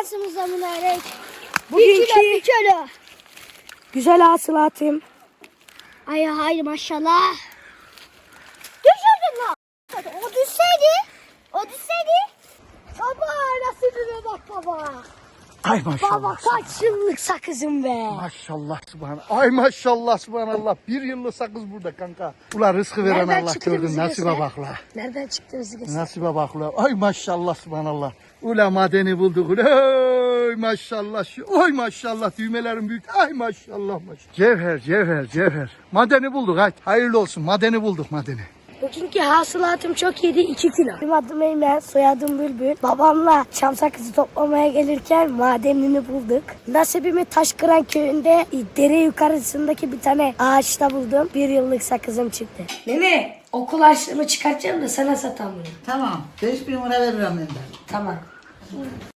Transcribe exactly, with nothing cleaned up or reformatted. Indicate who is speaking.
Speaker 1: şansımıza mübarek.
Speaker 2: Bugünkü
Speaker 1: Bir kilo, bir kilo.
Speaker 2: güzel hasılatım.
Speaker 1: Ay hayır maşallah. Düşürdün lan. O düşseydi. O düşseydi. Baba nasıl bak baba.
Speaker 3: Ay maşallah.
Speaker 2: Baba kaç yıllık sakızım be.
Speaker 3: Maşallah subhanallah. Ay maşallah subhanallah. Bir yıllık sakız burada kanka. Ulan rızkı veren
Speaker 2: Nereden
Speaker 3: Allah
Speaker 2: çıktı
Speaker 3: gördün.
Speaker 2: bizi
Speaker 3: Nasibe
Speaker 2: göster?
Speaker 3: bak la.
Speaker 2: Nereden çıktı bizi göster?
Speaker 3: Nasibe bak la. Ay maşallah subhanallah. Ula madeni bulduk. Oy maşallah. Şu- Oy maşallah. Düğmelerin büyük. Ay maşallah maşallah. Cevher cevher cevher. Madeni bulduk. Hadi hayırlı olsun. Madeni bulduk madeni.
Speaker 2: Bugünkü hasılatım çok iyiydi, iki kilo. Benim adım Eymen, soyadım Bülbül. Babamla çam sakızı toplamaya gelirken madenini bulduk. Nasibimi Taşkıran köyünde dere yukarısındaki bir tane ağaçta buldum. Bir yıllık sakızım çıktı. Nene, okul harçlığımı çıkartacağım da sana satam bunu.
Speaker 4: Tamam. beş bin lira veririm ben de.
Speaker 2: Tamam.